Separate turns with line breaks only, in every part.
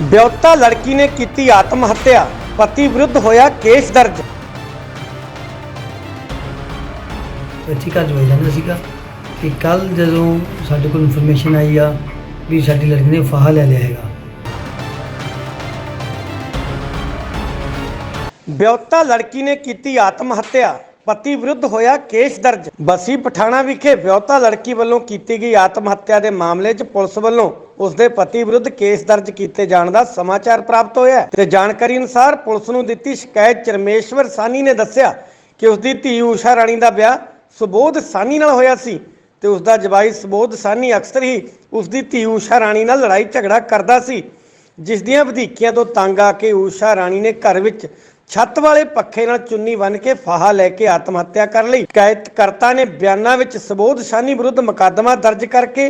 ਵਿਆਹੁਤਾ ਲੜਕੀ ਨੇ ਕੀਤੀ ਆਤਮ ਹੱਤਿਆ, ਪਤੀ ਵਿਰੁੱਧ ਹੋਇਆ ਕੇਸ ਦਰਜ।
ਇੱਥੇ ਘਰ ਜਵਾਈ ਰਹਿੰਦਾ ਸੀਗਾ ਕਿ ਕੱਲ ਜਦੋਂ ਸਾਡੇ ਕੋਲ ਇਨਫੋਰਮੇਸ਼ਨ ਆਈ ਆ ਵੀ ਸਾਡੀ ਲੜਕੀ ਨੇ ਫਾਹਾ ਲੈ ਲਿਆ ਹੈਗਾ।
ਵਿਆਹੁਤਾ ਲੜਕੀ ਨੇ ਕੀਤੀ ਆਤਮ ਹੱਤਿਆ, ਪਤੀ ਵਿਰੁੱਧ ਹੋਇਆ ਕੇਸ ਦਰਜ। ਬਸੀ ਪਠਾਣਾ ਵਿਖੇ ਵਿਆਹੁਤਾ ਲੜਕੀ ਵੱਲੋਂ ਕੀਤੀ ਗਈ ਆਤਮ ਹੱਤਿਆ ਦੇ ਮਾਮਲੇ 'ਚ ਪੁਲਿਸ ਵੱਲੋਂ ਉਸਦੇ ਪਤੀ ਵਿਰੁੱਧ ਕੇਸ ਦਰਜ ਕੀਤੇ ਜਾਣ ਦਾ ਸਮਾਚਾਰ ਪ੍ਰਾਪਤ ਹੋਇਆ ਹੈ ਤੇ ਜਾਣਕਾਰੀ ਅਨੁਸਾਰ ਪੁਲਿਸ ਨੂੰ ਦਿੱਤੀ ਸ਼ਿਕਾਇਤ 'ਚ ਰਮੇਸ਼ਵਰ ਸਾਨੀ ਨੇ ਦੱਸਿਆ ਕਿ ਉਸਦੀ ਧੀ ਊਸ਼ਾ ਰਾਣੀ ਦਾ ਵਿਆਹ ਸੁਬੋਧ ਸਾਨੀ ਨਾਲ ਹੋਇਆ ਸੀ ਤੇ ਉਸਦਾ ਜਵਾਈ ਸੁਬੋਧ ਸਾਨੀ ਅਕਸਰ ਹੀ ਉਸਦੀ ਧੀ ਊਸ਼ਾ ਰਾਣੀ ਨਾਲ ਲੜਾਈ ਝਗੜਾ ਕਰਦਾ ਸੀ, ਜਿਸ ਦੀਆਂ ਵਧੀਕੀਆਂ ਤੋਂ ਤੰਗ ਆ ਕੇ ਊਸ਼ਾ ਰਾਣੀ ਨੇ ਘਰ ਵਿੱਚ ਛੱਤ ਵਾਲੇ ਪੱਖੇ ਨਾਲ ਚੁੰਨੀ ਬੰਨ੍ਹ ਕੇ ਫਾਹਾ ਲੈ ਕੇ ਆਤਮ ਹੱਤਿਆ ਕਰ ਲਈ। ਸ਼ਿਕਾਇਤਕਰਤਾ ਨੇ ਬਿਆਨਾਂ ਵਿੱਚ ਸੁਬੋਧ ਸਾਨੀ ਵਿਰੁੱਧ ਮੁਕੱਦਮਾ ਦਰਜ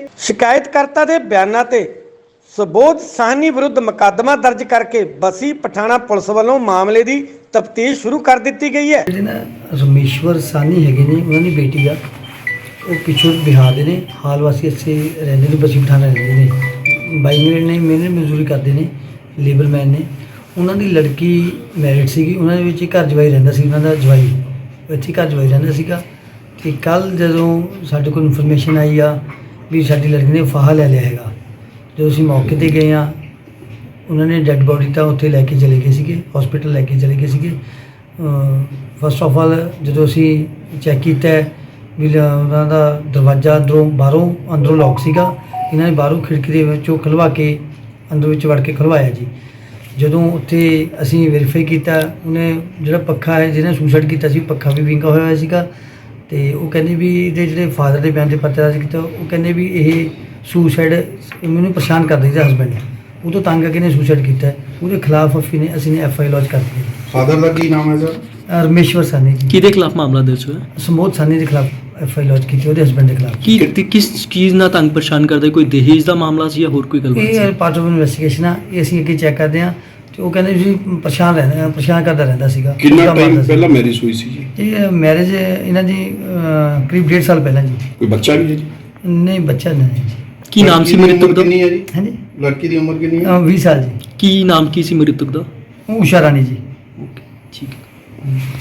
ਕਰਕੇ ਬਸੀ ਪਠਾਣਾ ਪੁਲਿਸ ਵੱਲੋਂ ਮਾਮਲੇ ਦੀ ਤਫਤੀਸ਼ ਸ਼ੁਰੂ ਕਰ ਦਿੱਤੀ ਗਈ ਹੈ।
ਜਿਹੜੇ ਨਾ ਰਮੇਸ਼ਵਰ ਸਾਨੀ ਹੈਗੇ ਨੇ, ਉਹਨਾਂ ਦੀ ਬੇਟੀ ਆ, ਉਹ ਪਿੱਛੋਂ ਬਿਹਾਰ ਦੇ ਨੇ, ਹਾਲ ਵਾਸੀ ਇੱਥੇ ਰਹਿੰਦੇ ਨੇ, ਬਸੀ ਪਠਾਣਾ ਰਹਿੰਦੇ ਨੇ, ਬਾਈ ਮਿਹਨਤ ਮਜ਼ਦੂਰੀ ਕਰਦੇ ਨੇ, ਲੇਬਰਮੈਨ ਨੇ। ਉਹਨਾਂ ਦੀ ਲੜਕੀ ਮੈਰਿਡ ਸੀਗੀ, ਉਹਨਾਂ ਦੇ ਵਿੱਚ ਘਰ ਜਵਾਈ ਰਹਿੰਦਾ ਸੀ, ਉਹਨਾਂ ਦਾ ਜਵਾਈ ਇੱਥੇ ਘਰ ਜਵਾਈ ਰਹਿੰਦਾ ਸੀਗਾ। ਅਤੇ ਕੱਲ੍ਹ ਜਦੋਂ ਸਾਡੇ ਕੋਲ ਇਨਫੋਰਮੇਸ਼ਨ ਆਈ ਆ ਵੀ ਸਾਡੀ ਲੜਕੀ ਨੇ ਫਾਹਾ ਲੈ ਲਿਆ ਹੈਗਾ, ਜਦੋਂ ਅਸੀਂ ਮੌਕੇ 'ਤੇ ਗਏ ਹਾਂ, ਉਹਨਾਂ ਨੇ ਡੈੱਡ ਬੋਡੀ ਤਾਂ ਉੱਥੇ ਲੈ ਕੇ ਚਲੇ ਗਏ ਸੀਗੇ, ਹਸਪੀਟਲ ਲੈ ਕੇ ਚਲੇ ਗਏ ਸੀਗੇ। ਫਸਟ ਆਫ ਆਲ ਜਦੋਂ ਅਸੀਂ ਚੈੱਕ ਕੀਤਾ ਵੀ ਉਹਨਾਂ ਦਾ ਦਰਵਾਜ਼ਾ ਅੰਦਰੋਂ ਲੌਕ ਸੀਗਾ, ਇਹਨਾਂ ਨੇ ਬਾਹਰੋਂ ਖਿੜਕੀ ਦੇ ਵਿੱਚੋਂ ਖੁਲਵਾ ਕੇ ਅੰਦਰ ਵਿੱਚ ਵੜ ਕੇ ਖੁਲਵਾਇਆ ਜੀ। ਜਦੋਂ ਉੱਥੇ ਅਸੀਂ ਵੈਰੀਫਾਈ ਕੀਤਾ, ਉਹਨੇ ਜਿਹੜਾ ਪੱਖਾ ਹੈ ਜਿਹਨੇ ਸੁਸਾਈਡ ਕੀਤਾ ਸੀ, ਪੱਖਾ ਵੀ ਵਿੰਗਾ ਹੋਇਆ ਸੀਗਾ। ਅਤੇ ਉਹ ਕਹਿੰਦੇ ਵੀ ਇਹਦੇ ਜਿਹੜੇ ਫਾਦਰ ਦੇ ਬਿਆਨ 'ਤੇ ਪਰਚਾ ਦਰਜ ਕੀਤਾ, ਉਹ ਕਹਿੰਦੇ ਵੀ ਇਹ ਸੁਸਾਈਡ ਮੈਨੂੰ ਪਰੇਸ਼ਾਨ ਕਰਦਾ ਸੀ ਹਸਬੈਂਡ, ਉਹ ਤੋਂ ਤੰਗ ਆ ਕੇ ਨੇ ਸੁਸਾਈਡ ਕੀਤਾ। ਉਹਦੇ ਖਿਲਾਫ ਅਸੀਂ ਨੇ FI ਲੌਂਚ ਕਰ ਦਿੱਤੀ।
ਫਾਦਰ ਦਾ ਕੀ ਨਾਮ ਹੈ ਸਰ?
ਰਮੇਸ਼ਵਰ ਸਾਨੀ ਜੀ।
ਕਿਹਦੇ ਖਿਲਾਫ ਮਾਮਲਾ ਦਰਜ ਹੋਇਆ?
ਸੁਬੋਧ ਸਾਨੀ ਦੇ ਖਿਲਾਫ FI ਲੌਂਚ ਕੀਤੀ, ਉਹਦੇ ਹਸਬੈਂਡ ਦੇ ਖਿਲਾਫ।
ਕਿਸ ਚੀਜ਼ ਨਾਲ ਤੰਗ ਪਰੇਸ਼ਾਨ ਕਰਦਾ? ਕੋਈ ਦਹੇਜ ਦਾ ਮਾਮਲਾ ਸੀ ਜਾਂ ਹੋਰ ਕੋਈ ਗੱਲ?
ਇਹ ਪਾਰਟ ਆਫ ਇਨਵੈਸਟੀਗੇਸ਼ਨ ਆ, ਇਹ ਅਸੀਂ ਅੱਗੇ ਚੈੱਕ ਕਰਦੇ ਹਾਂ। ਤੇ ਉਹ ਕਹਿੰਦੇ ਵੀ ਪਰੇਸ਼ਾਨ ਕਰਦਾ ਰਹਿੰਦਾ ਸੀਗਾ।
ਕਿੰਨਾ ਟਾਈਮ ਪਹਿਲਾਂ ਮੈਰਿਜ ਹੋਈ ਸੀ ਜੀ?
ਇਹ ਮੈਰਿਜ ਇਹਨਾਂ ਦੀ ਕਰੀਬ 1.5 ਸਾਲ ਪਹਿਲਾਂ ਜੀ।
ਕੋਈ ਬੱਚਾ ਵੀ ਹੈ ਜੀ?
ਨਹੀਂ, ਬੱਚਾ ਨਹੀਂ ਜੀ।
ਕੀ ਨਾਮ ਸੀ ਮ੍ਰਿਤਕ ਦਾ?
ਕਿੰਨੀ ਹੈ ਜੀ?
ਹਾਂਜੀ,
ਲੜਕੀ ਦੀ ਉਮਰ ਕਿੰਨੀ ਹੈ?
20 ਸਾਲ ਜੀ।
ਕੀ ਨਾਮ ਕੀ ਸੀ ਮ੍ਰਿਤਕ ਦਾ?
ਊਸ਼ਾ ਰਾਣੀ ਜੀ।
ਠੀਕ ਹੈ।